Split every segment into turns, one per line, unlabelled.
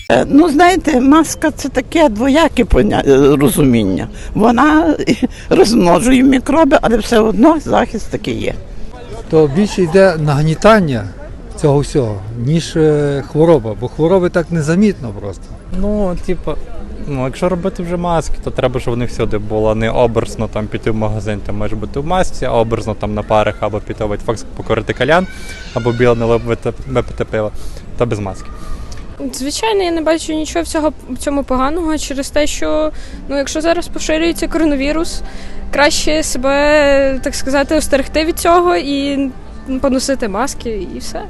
Ну, знаєте, маска – це таке двояке розуміння. Вона розмножує мікроби, але все одно захист такий є.
То більше йде нагнітання цього всього, ніж хвороба, бо хвороби так незамітно просто.
Ну, якщо робити вже маски, то треба, щоб вони всюди було не образно там піти в магазин, ти можеш бути в масці, а образно там на парах або піти в Ветфакс покорити калян, або біле випити пиво, та без маски.
Звичайно, я не бачу нічого в цьому поганого через те, що якщо зараз поширюється коронавірус, краще себе, так сказати, остерегти від цього і поносити маски і все.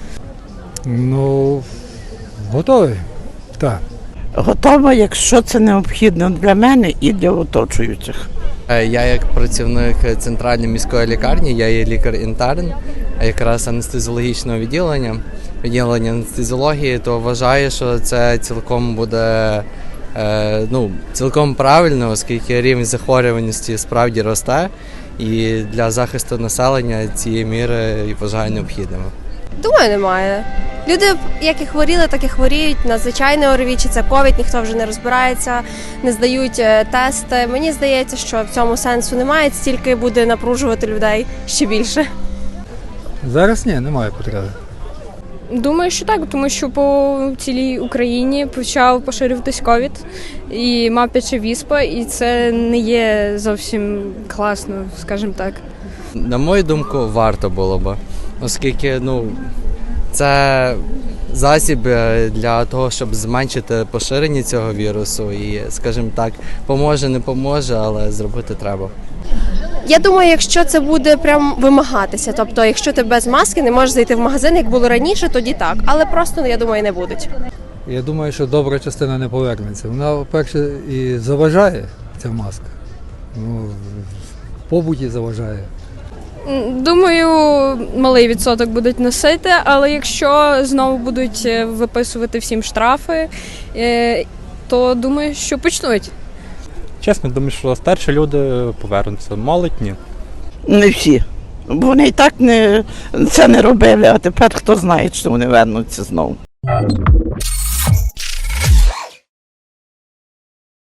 Ну, готовий, так.
Готова, якщо це необхідно для мене і для оточуючих.
Я як працівник центральної міської лікарні, я є лікар-інтерн, якраз анестезіологічного відділення анестезіології, то вважаю, що це цілком буде цілком правильно, оскільки рівень захворюваності справді росте, і для захисту населення цієї міри вважаю необхідними.
Думаю, немає. Люди, як і хворіли, так і хворіють на звичайне ОРВІ, чи це ковід, ніхто вже не розбирається, не здають тести. Мені здається, що в цьому сенсу немає, стільки буде напружувати людей ще більше.
Зараз ні, немає потреби.
Думаю, що так, тому що по цілій Україні почав поширюватись ковід і мавпяча віспа, і це не є зовсім класно, скажімо так.
На мою думку, варто було б, оскільки це засіб для того, щоб зменшити поширення цього вірусу і, скажімо так, поможе, не поможе, але зробити треба.
Я думаю, якщо це буде прям вимагатися, тобто якщо ти без маски не можеш зайти в магазин, як було раніше, тоді так, але просто, я думаю, не будуть.
Я думаю, що добра частина не повернеться. Вона, перше, і заважає, ця маска. В побуті заважає.
Думаю, малий відсоток будуть носити, але якщо знову будуть виписувати всім штрафи, то думаю, що почнуть.
Чесно, думаю, що старші люди повернуться, молодь ні.
Не всі. Бо вони і так це не робили, а тепер хто знає, що вони вернуться знову.